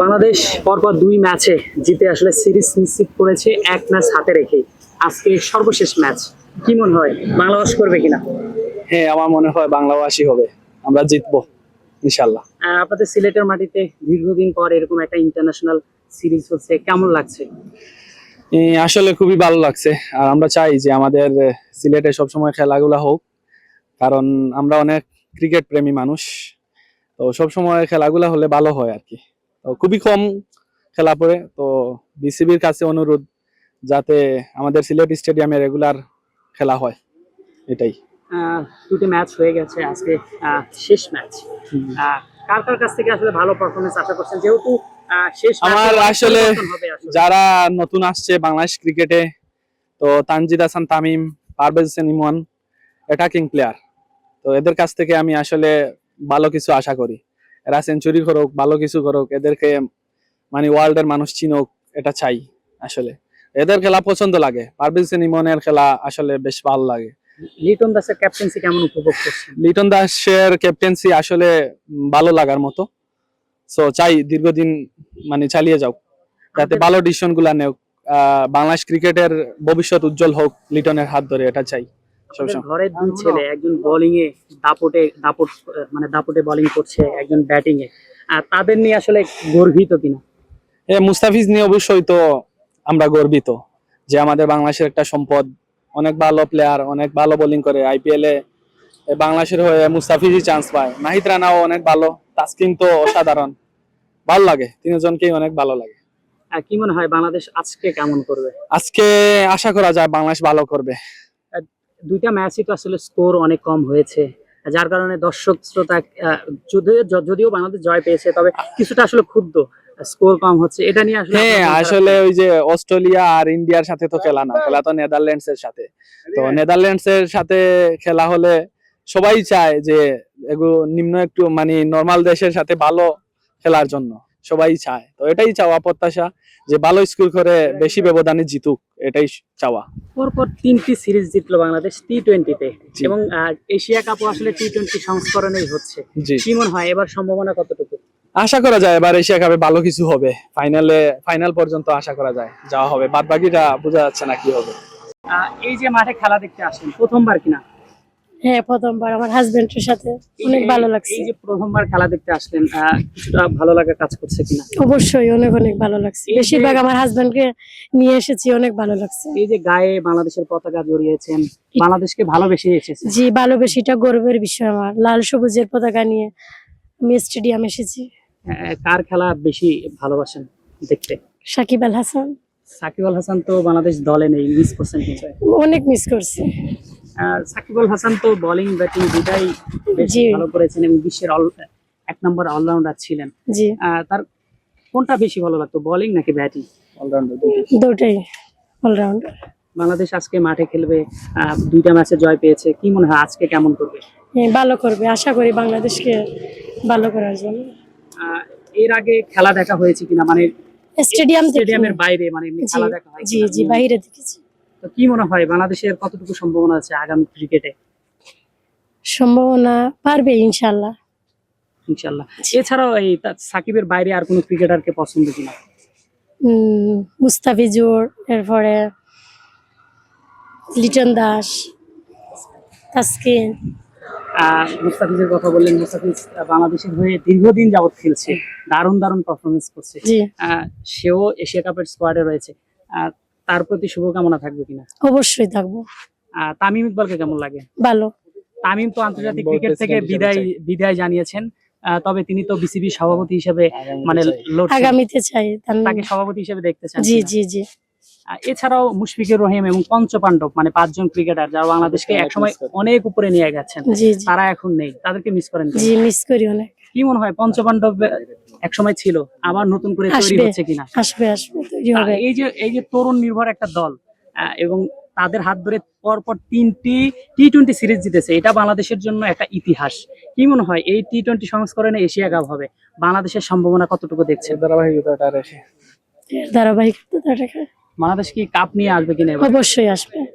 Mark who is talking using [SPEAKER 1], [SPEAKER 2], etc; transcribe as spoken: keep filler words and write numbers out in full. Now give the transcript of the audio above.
[SPEAKER 1] বাংলাদেশ পরপর দুই ম্যাচে জিতে আসলে সিরিজ নিশ্চিত করেছে, এক ম্যাচ হাতে রেখে। আজকে সর্বশেষ ম্যাচ, কি মনে হয় বাংলাদেশ করবে কিনা?
[SPEAKER 2] হ্যাঁ, আমার মনে হয় বাংলাভাষী হবে, আমরা জিতবো ইনশাল্লাহ।
[SPEAKER 1] আহ, আপনাদের সিলেটের মাটিতে দীর্ঘদিন পর এরকম একটা ইন্টারন্যাশনাল সিরিজ হচ্ছে, কেমন লাগছে?
[SPEAKER 2] এ, আসলে খুবই ভালো লাগছে। আর আমরা চাই যে আমাদের সিলেটে সবসময় খেলাগুলা হোক, কারণ আমরা অনেক ক্রিকেট প্রেমী মানুষ। তো সবসময় খেলাগুলা হলে ভালো হয় আর কি। তো খুবই কম খেলা পড়ে, তো বিসিবির কাছে অনুরোধ যাতে আমাদের সিলেট স্টেডিয়ামে রেগুলার খেলা হয়, এটাই।
[SPEAKER 1] আহ, দুটি ম্যাচ হয়ে গেছে, আজকে আহ, শেষ ম্যাচ। আহ, কার কার কাছ থেকে আসলে ভালো পারফরমেন্স আশা করছেন, যেহেতু আহ, শেষ ম্যাচে
[SPEAKER 2] আমার
[SPEAKER 1] অনেক
[SPEAKER 2] আসলে
[SPEAKER 1] পরিবর্তন হবে আসলে?
[SPEAKER 2] যারা নতুন আসছে বাংলাদেশ ক্রিকেটে, তো তানজিদ হাসান তামিম, পারভেজ হোসেন ইমন অ্যাটাকিং প্লেয়ার। তো এদের কাছ থেকে আমি আসলে ভালো কিছু আশা করি। এরা সেঞ্চুরি করুক, ভালো কিছু করুক, এদেরকে মানে ওয়ার্ল্ডের মানুষ চিনুক, এটা চাই আসলে। এদের খেলা পছন্দ লাগে, পারভেজ হোসেন ইমনের খেলা আসলে বেশ ভালো লাগে।
[SPEAKER 1] লিটন দাসের ক্যাপ্টেন্সি কেমন উপভোগ করছেন?
[SPEAKER 2] লিটন দাসের ক্যাপ্টেন্সি আসলে উম, ভালো লাগার মতো। সো চাই দীর্ঘদিন মানে চালিয়ে যাও, যাতে ভালো ডিসিশন গুলা নেও। আহ, বাংলাদেশ ক্রিকেটের ভবিষ্যৎ উজ্জ্বল হোক লিটনের হাত ধরে, এটা চাই
[SPEAKER 1] আপনাদের
[SPEAKER 2] সবসময়।
[SPEAKER 1] ঘরের দুই ছেলে, একজন বোলিং এ দাপটে দাপট আহ, মানে দাপটে বোলিং করছে, একজন ব্যাটিং এ। আর তাদের নিয়ে আসলে গর্বিত কিনা?
[SPEAKER 2] এ মুস্তাফিজ নিয়ে অবশ্যই তো আমরা গর্বিত যে আমাদের বাংলাদেশের একটা সম্পদ, অনেক ভালো প্লেয়ার, অনেক ভালো বোলিং করে। আইপিএল এ বাংলাদেশের হয়ে মুস্তাফিজই চান্স পায়। নাহিদ রানাও অনেক ভালো, তাসকিন তো অসাধারণ। ভালো লাগে, তিনজনকেই অনেক ভালো লাগে।
[SPEAKER 1] আর কি মনে হয় বাংলাদেশ আজকে কেমন করবে?
[SPEAKER 2] আজকে আশা করা যায় বাংলাদেশ ভালো করবে।
[SPEAKER 1] আহ, দুইটা ম্যাচই তো আসলে স্কোর অনেক কম হয়েছে, যার কারণে দর্শক শ্রোতা আহ, যদিও যদিও বাংলাদেশ জয় পেয়েছে, তবে কিছুটা আসলে ক্ষুব্ধ, স্কোর কম হচ্ছে, এটা নিয়ে আসলে
[SPEAKER 2] হ্যাঁ,
[SPEAKER 1] আপনার মন খারাপ
[SPEAKER 2] আসলে
[SPEAKER 1] কেন?
[SPEAKER 2] ওই যে অস্ট্রেলিয়া আর ইন্ডিয়ার সাথে তো খেলা না, খেলা তো নেদারল্যান্ডস এর সাথে। তো নেদারল্যান্ডস এর সাথে খেলা হলে সবাই চায় যে এগুলো নিম্ন একটু মানে নর্মাল দেশের সাথে ভালো খেলার জন্য সবাই চায়। তো এটাই চাওয়া প্রত্যাশা, যে ভালো স্কোর করে বেশি ব্যবধানে জিতুক, এটাই চাওয়া।
[SPEAKER 1] পরপর তিনটি সিরিজ জিতলো বাংলাদেশ টি টোয়েন্টিতে,
[SPEAKER 2] জি।
[SPEAKER 1] এবং আহ, এশিয়া কাপও আসলে টি টোয়েন্টি সংস্করণেই হচ্ছে।
[SPEAKER 2] জি,
[SPEAKER 1] কি মনে হয় এবার সম্ভাবনা কতটুকু?
[SPEAKER 2] আশা করা যায় এবার এশিয়া কাপে ভালো কিছু হবে। ফাইনালে ফাইনাল পর্যন্ত আশা করা যায় যাওয়া হবে, বাদ বাকিটা বোঝা যাচ্ছে না কি হবে।
[SPEAKER 1] আহ, এই যে মাঠে খেলা দেখতে আসলেন, প্রথমবার কিনা?
[SPEAKER 3] হ্যাঁ, প্রথমবার আমার হাজবেন্ডের সাথে অনেক
[SPEAKER 1] এই-
[SPEAKER 3] ভালো লাগছে।
[SPEAKER 1] এই যে প্রথমবার খেলা দেখতে আসলেন, আহ, কিছুটা ভালো লাগা কাজ করছে কিনা?
[SPEAKER 3] অবশ্যই অনেক অনেক ভালো লাগছে।
[SPEAKER 1] এই যে-
[SPEAKER 3] বেশিরভাগ আমার হাজবেন্ডকে নিয়ে এসেছি, অনেক ভালো লাগছে।
[SPEAKER 1] এই যে গায়ে বাংলাদেশের পতাকা জড়িয়েছেন, বাংলাদেশকে ভালোবেসে এসেছেন।
[SPEAKER 3] জি, ভালোবেসিটা গর্বের বিষয় আমার। লাল সবুজের পতাকা নিয়ে আমি স্টেডিয়াম এসেছি।
[SPEAKER 1] আহ, কার খেলা বেশি ভালোবাসেন দেখতে?
[SPEAKER 3] সাকিব আল হাসান।
[SPEAKER 1] সাকিব আল হাসান তো বাংলাদেশ দলে নেই, মিস করছেন কিন্তু।
[SPEAKER 3] অনেক মিস করছি।
[SPEAKER 1] আহ, সাকিব আল হাসান তো বোলিং ব্যাটিং দুটাই বেশ
[SPEAKER 3] জি।
[SPEAKER 1] ভালো করেছেন এবং বিশ্বের all- এক নম্বর অলরাউন্ডার ছিলেন।
[SPEAKER 3] জি,
[SPEAKER 1] আহ, তার কোনটা বেশি ভালো লাগতো, বোলিং নাকি ব্যাটিং?
[SPEAKER 2] অলরাউন্ডার
[SPEAKER 3] দুটাই অলরাউন্ডার।
[SPEAKER 1] বাংলাদেশ আজকে মাঠে খেলবে, আহ, দুইটা ম্যাচে জয় পেয়েছে, কি মনে হয় আজকে কেমন করবে?
[SPEAKER 3] হ্যাঁ, ভালো করবে, আশা করি বাংলাদেশকে ভালো করার জন্য।
[SPEAKER 1] আহ, এর আগে খেলা দেখা হয়েছে কিনা, মানে
[SPEAKER 3] স্টেডিয়াম থেকে
[SPEAKER 1] স্টেডিয়ামের বাইরে, মানে এমনি
[SPEAKER 3] জি
[SPEAKER 1] খেলা দেখা হয়
[SPEAKER 3] জি
[SPEAKER 1] কিনা?
[SPEAKER 3] জি বাইরে দেখেছি।
[SPEAKER 1] তো কি মনে হয় বাংলাদেশের কতটুকু সম্ভাবনা আছে আগামী ক্রিকেটে?
[SPEAKER 3] সম্ভাবনা পারবে ইনশাল্লাহ।
[SPEAKER 1] ইনশাল্লাহ। এছাড়াও এই তা- সাকিবের বাইরে আর কোনো ক্রিকেটারকে পছন্দ কিনা?
[SPEAKER 3] উম, মুস্তাফিজুর, এরপরে লিটন দাস, তাসকিন।
[SPEAKER 1] আহ, মুস্তাফিজের কথা বললেন, মুস্তাফিজ আহ, বাংলাদেশের হয়ে দীর্ঘদিন যাবত খেলছে, দারুণ দারুণ পারফরমেন্স করছে।
[SPEAKER 3] জি,
[SPEAKER 1] আহ, সেও এশিয়া কাপের স্কোয়াডে রয়েছে, আহ, তার প্রতি শুভকামনা থাকবে কিনা?
[SPEAKER 3] অবশ্যই থাকবো।
[SPEAKER 1] আহ, তামিম ইকবালকে কেমন লাগে?
[SPEAKER 3] ভালো।
[SPEAKER 1] তামিম তো আন্তর্জাতিক
[SPEAKER 2] Board
[SPEAKER 1] ক্রিকেট থেকে
[SPEAKER 2] president হিসেবে
[SPEAKER 1] বিদায়
[SPEAKER 2] চাই।
[SPEAKER 1] বিদায় জানিয়েছেন, আহ, তবে তিনি তো বিসিবি সভাপতি হিসেবে মানে লড়ছেন।
[SPEAKER 3] আগামীতে চাই তার-
[SPEAKER 1] তাকে সভাপতি হিসেবে দেখতে চান
[SPEAKER 3] জি
[SPEAKER 1] কিনা?
[SPEAKER 3] জি জি
[SPEAKER 1] আহ, এছাড়াও মুশফিকুর রহিম এবং পঞ্চপাণ্ডব, মানে পাঁচজন ক্রিকেটার যারা বাংলাদেশকে
[SPEAKER 2] অনেক
[SPEAKER 1] একসময়
[SPEAKER 2] miss করি।
[SPEAKER 1] অনেক উপরে নিয়ে গেছেন,
[SPEAKER 3] জি জি
[SPEAKER 1] তারা এখন নেই, তাদেরকে মিস করেন কিনা?
[SPEAKER 3] জি মিস করি অনেক।
[SPEAKER 1] কি মনে হয় পঞ্চপাণ্ডব একসময় ছিল, আবার নতুন করে তৈরি
[SPEAKER 3] আসবে
[SPEAKER 1] হচ্ছে কিনা?
[SPEAKER 3] আসবে আসবে তৈরি
[SPEAKER 1] আহ,
[SPEAKER 3] হবে।
[SPEAKER 1] এই যে এই যে তরুণ নির্ভর একটা দল, আহ, এবং তাদের হাত ধরে পরপর তিনটি টি টোয়েন্টি সিরিজ জিতেছে, এটা বাংলাদেশের জন্য একটা ইতিহাস। কি মনে হয় এই টি টোয়েন্টি সংস্করণে এশিয়া কাপ হবে, বাংলাদেশের সম্ভাবনা কতটুকু দেখছেন?
[SPEAKER 2] ধারাবাহিকতাটা রেখে
[SPEAKER 3] এর ধারাবাহিকতা রেখে
[SPEAKER 1] বাংলাদেশ কি কাপ নিয়ে আসবে কিনা এবার?
[SPEAKER 3] অবশ্যই আসবে।